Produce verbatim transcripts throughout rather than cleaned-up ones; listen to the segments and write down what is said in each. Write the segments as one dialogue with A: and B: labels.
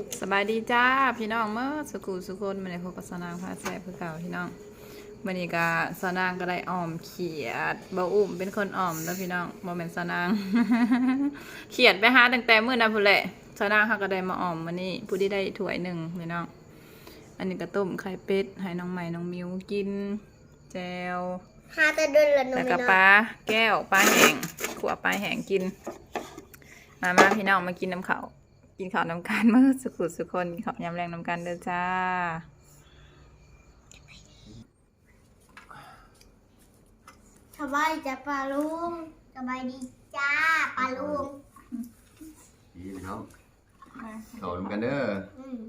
A: สบายดีจ้าพี่น้องเมื่อสกูสุคนมาในพบกับสนางพาแซ่บคือเก่าพี่น้องวันนี้ก็สนางก็ได้อ่อมเขียดเบาอุ่มเป็นคนอ่อมแล้วพี่น้องโมเมนต์สนาง เขียดไปหาตั้งแต่มื้อนั้นพุ่นแหละสนางเขาก็ได้มาอ่อมวันนี้ผู้ที่ได้ถ้วยหนึ่งพี่น้องอันนี้ก็ต้มไข่เป็ดให้น้องใหม่น้องมิวกินแจว
B: หาแต่เดินละน้อง
A: แล้ว
B: ไม่
A: ก็
B: น้อ
A: ปลาย แก้วปลาแห้งขั่วปลาแห้งกินมามาพี่น้องมากินน้ำข้าวกินข้าวน้ำกันเมื่อสุขุสุคนกินข้าวยำแรงน้ำกันเด้อจ้า
B: สบายจ้าปลาลุงสบายดีจ้าปลาลุง
C: ดีพี่น้องเขาทำกันเด้อ
B: อืม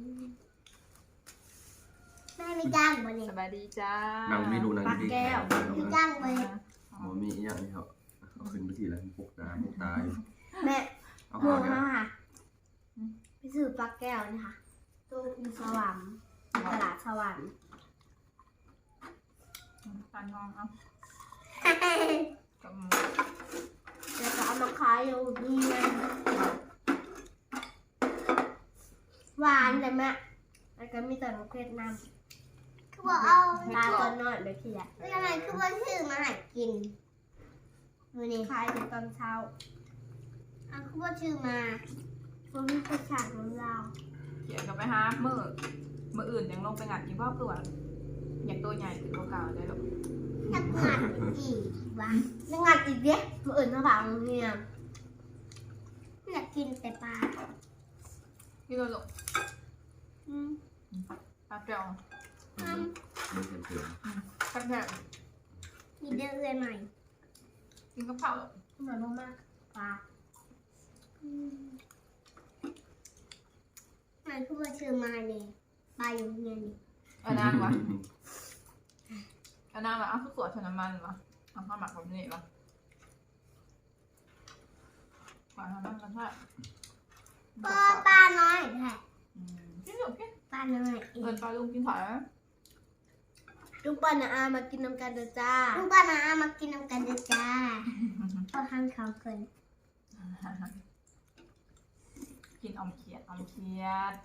B: แม่ไม่จ้างบ่เนี่ย
A: สบายดีจ้า
C: นั่งไม่รู้นั่งดี
B: ไม่จ้างบ่เนี่ย
C: หมอมีอีกอย่างนี่เขาเขาขึ้นไปทีละปกตาปกตาอยู่
B: แม่
C: เอา
B: หมู
C: เขาเนี่ย
B: มาค่ะไปซื้อปลาแก้วนี่ค่ะตู้อยู่สวรรค์ตลาดสวรรค์
A: ปลาทองเอากับ
B: แล้วก็เอามาขายอยู่นี่นะหวานแต่แม่แล้วก็มีแต่มะเขือน้ำคือว่าเอาตาตอนน้อยเลยพี่อะเป็นยังไงคือว่าซื้อมาให้กินดูนี่ขายถึงตอนเช้าอ่ะคือว่าซื้อมาผมมีกระฉากของเรา
A: เขียนกับไปหาเมื่อเมื่ออื่นยังลงไปงัดกินพ่อตัวอยากตัวใหญ่ขึ้นกว่าเก่าได้หรอก
B: อยากงัดอีกวะจะงัดอีกเด้มืออื่นมาฝากโรงเรียนอยากกินแต่ปลา
A: พี่ก็หลง
B: อืม
A: ปลาแก้ว
B: อืม
C: ไม่เต็มเต็ม
A: ปลาแก้ว
B: มีเดือนใหม่
A: กินกับข้าวหรอก
B: เหมือนมากๆปลาอืมมันคือว่าซื้อมาเนี่ยปลาอยู่เงินนี่
A: เอานางวะเอานางวะเอาข้าวสวยชนน้ำมันวะเอาข้าวหมักแบบนี้วะปลาทำน้ำกันใช่
B: ปลาปลาน้อยแท้
A: กินหรอกแค่
B: ปลาน้อยเอ
A: เอิ
B: ง
A: นปลาลุงกินถ่ายไหม
B: ลุงป้านะอามากินน้ำกันเด้อจ้าลุงป้านะอามากินน้ำกันเด้อจ้าพอทานข้าวเกิน
A: กินอมเขียดอมเขียด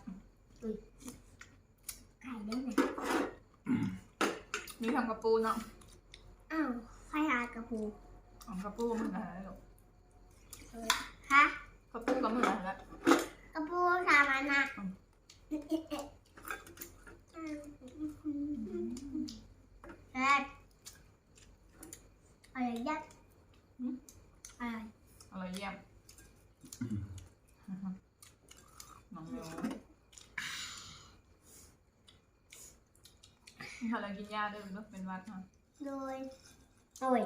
B: ไก่ได้ไหม
A: มีทำกระปูเนาะ
B: อ้าวใครหากระปู
A: อมกระปูมันอะไรหรอก
B: ฮะ
A: กระปูกับมืออะไร
B: กระปูสามันนะแรกอะไรยัดอะไร
A: อะไรเยี่ยมน้องเมลนี่เขาเรากินยาด้วยหรือเป็นวัดฮะ
B: โดยโอ้ย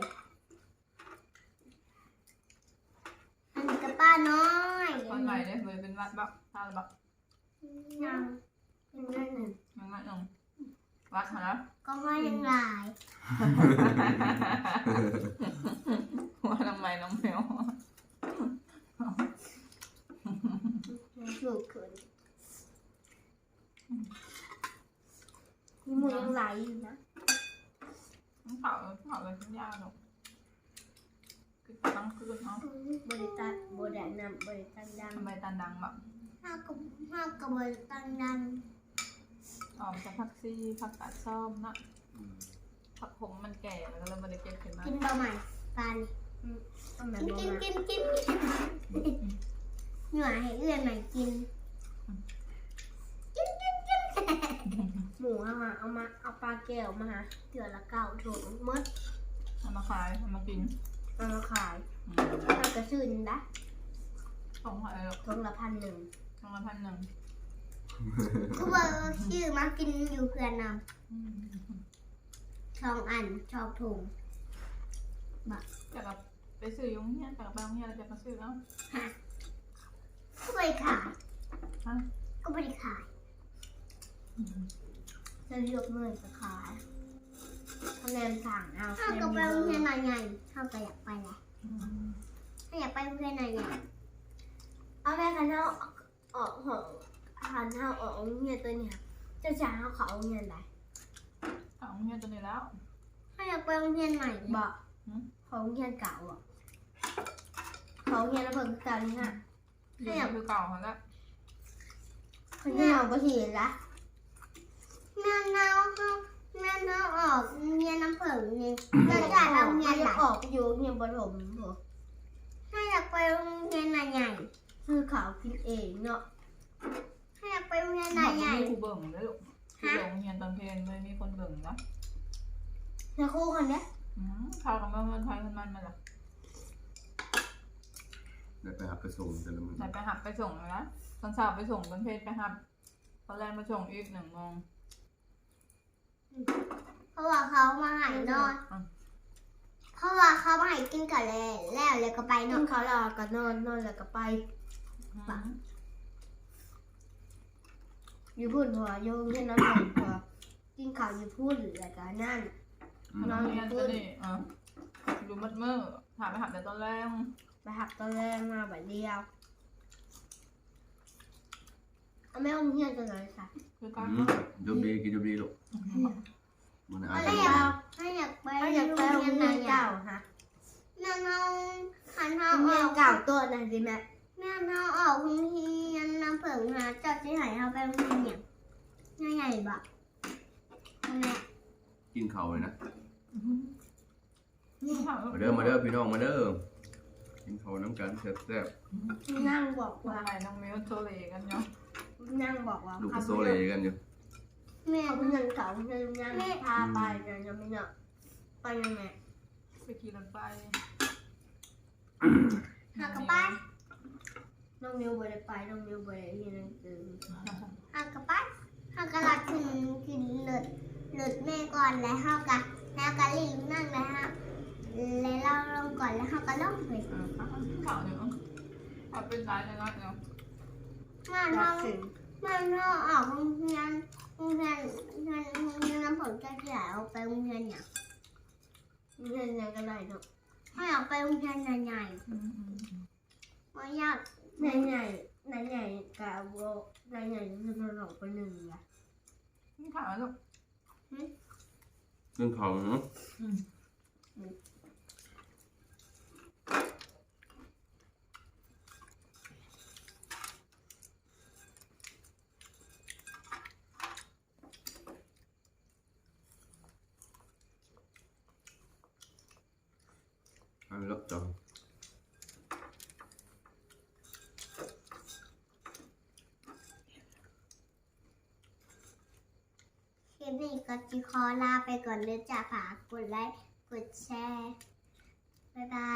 B: อันนี้กระป้าน้อย
A: คนใหม่เลยเลยเป็นวัดบักทานบัก
B: ยังยังนั่นหนึ่ง
A: ยังไงน้องวัดเหรอ
B: ก็ไม่ยังหลาย
A: ว่าทำไมน้องเมล
B: สูงขึ้นมีมือยังไหลอยู่นะ
A: น้องเผาเผาเลยกินยาหรอกคือตั้งคืนเนาะ
B: บริตัดบรินำบริตันดัง
A: ทำไมตันดังแบบ
B: ห้ากับห้ากับบริตันดัง
A: ออกจากพักซี่พักตัดซ่อมนะผักผมมันแก่แล้วก็เลยมาได้เก็บขึ้นมา
B: กินเบาใหม่ปลานี่กินกินกินกินหน่วยให้เอื้อนหน่อยกินกินกินกินหมูเอามาเอามาเอาปลาแก้วมาฮะเดือละเก้าถุงมด
A: เอามาขายเอามากิน
B: เอามาขายทำกระชื่นนะ
A: สองพันหรอก
B: ถุงละพันหนึ่ง
A: สองละพันหนึ่ง
B: คือว่าชื่อมากินอยู่เพื่อนนำสองอันชอบถุง
A: จะกับไปซื้อยุ้งเนี่ยจะกับไปยุ้งเนี่ยเราจะมาซื้อแล้ว
B: ฮะก็ไม่ได้ขาย
A: ฮะ
B: ก็ไม่ได้ขายจะเลือกเมื่อจะขายคะแนนสั่งเอาถ้าก็ไปโรงเรียนไหนไงถ้าก็อยากไปแหละถ้าอยากไปโรงเรียนไหนไงเอาแม่กันเท่าออกหองหันเท่าออกโรงเรียนตัวเนี่ยจะจ่ายเขาเขาโรงเรียนไหน
A: เอายุ้งเนี่ยตัวนี้แล้ว
B: ถ้าอยากไปโรงเรียนใหม่บอกของโรงเรียนเก่าอ่ะของโรงเรียนระเบิดเก่านี่ค่ะ
A: ถ้าอยากคือเก่าเขาแล้ว
B: ถคนที่เอาไปเห็นละแม่เน่าเขาแม่เน่าออกเมียน้ำผึ้งนี่เราจะเอาเมียออกอยู่เมียบรมเหรอถ้าอยากไปโรงเรียนใหญ่คือเขาคิดเองเนาะถ้าอยากไปโรงเรียนใหญ่
A: มีครูเบิ่งเลยลูกครูเบิ่งเรียนตอนเพลนเลยมีคนเบิ่งนะ
B: นะครูคนเนี้ย
A: อืมข้าวกับเมื่อวันไทยมันมันมาละ
C: ได้ไปหับไปส่งแต่ละมื้อ
A: ไหนไปหักไปส่งเลยนะตอนเช้าไปส่งตอนเพลนไปหักตอนแรกมาส่งอีกหนึ่งโมง
B: เพราะว่าเขามาหายนอนเพราะว่าเขามาหายกินก่อนแล้วแล้วเลยก็ไปนอนเขารอก็นอนนอนแล้วก็ไป
A: ปัง
B: อยู่พูดหัวโยงเช่นนั้นหัวกินข้าวอยู่พูดแล้วก็นั่น
C: อืม
A: น้องเรียนจะนี่อ่ะดูมัดมือถามไปหักแต่ตอนแรก
B: ไปหักตอนแรกมาแบบเดียวเอาไม่เอาเงียบจังเลยค่ะ
A: คือการ
C: อืมจบดีกินจบดีลูกมันอาจ
B: ถ้า
C: จะ
B: อยากถ้าอยากไปถ้าอยากไปโรงเรียนเก่าฮะแม่น้องขันเท้าออกเก่าตัวนั่นสิแม่แม่น้องออกโรงเรียนน้ำเผิงฮะจัดที่ไหนเอาไปโรงเรียนเนี่ยใหญ่ๆบะแม่
C: กินข้าวเลยนะ
A: นี่ค่ะ
C: มาเด้อมาเด้อพี่น้องมาเด้อกินข้าวน้ำกันแซ่บ
B: นั่งบอก
A: ว่า
B: ว่า
A: ไงน้องมิวโซเลกันเนาะ
B: นั่งบอกว่า
C: ๆลูกก็โซเลกันอยู่
B: แม่เขาเป็นยังเก่าเป็นยังพาไปเนี่ยยังไม่เนาะไปยังไง
A: ไปขี่รถไฟ
B: หากระไปน้องมิวไปได้ไปน้องมิวไปเรียนหนังสือหากระไปหากระลัดขึ้นขึ้นเลิศเลิศแม่ก่อนแล้วหากะแล้วกะลิงนั่งแล้วฮะแล้วเราลงก่อนแล้วหากะลงไป
A: อ่าข่าวเดี๋ยวเอาเป็นร้ายเลยนะเนาะ
B: มาทำมาทำออกโรงเรียนโรงเรียนโรงเรียนโรงเรียนน้ำผลจะเสียเอาไปโรงเรียนเนี่ยโรงเรียนไหนก็ได้เนาะให้ออกไปโรงเรียนใหญ่ๆไม่ยากใหญ่ใหญ่ใหญ่ใหญ่ๆกับโบใหญ่ใหญ่ๆจะนอนไปหนึ่งละ
A: นี่ข่าวลูก
C: กินข้าวเนาะ อันลบจอง
B: คลิปนี้ก็จะขอลาไปก่อนเลยจ้าฝากกดไลค์กดแชร์บ๊ายบาย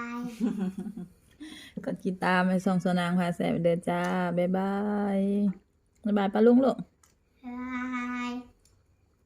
A: กดติดตามไปส่งสนางพาแสบเด้อจ้า บ๊ายบาย บ๊ายบายป้าลุงลูก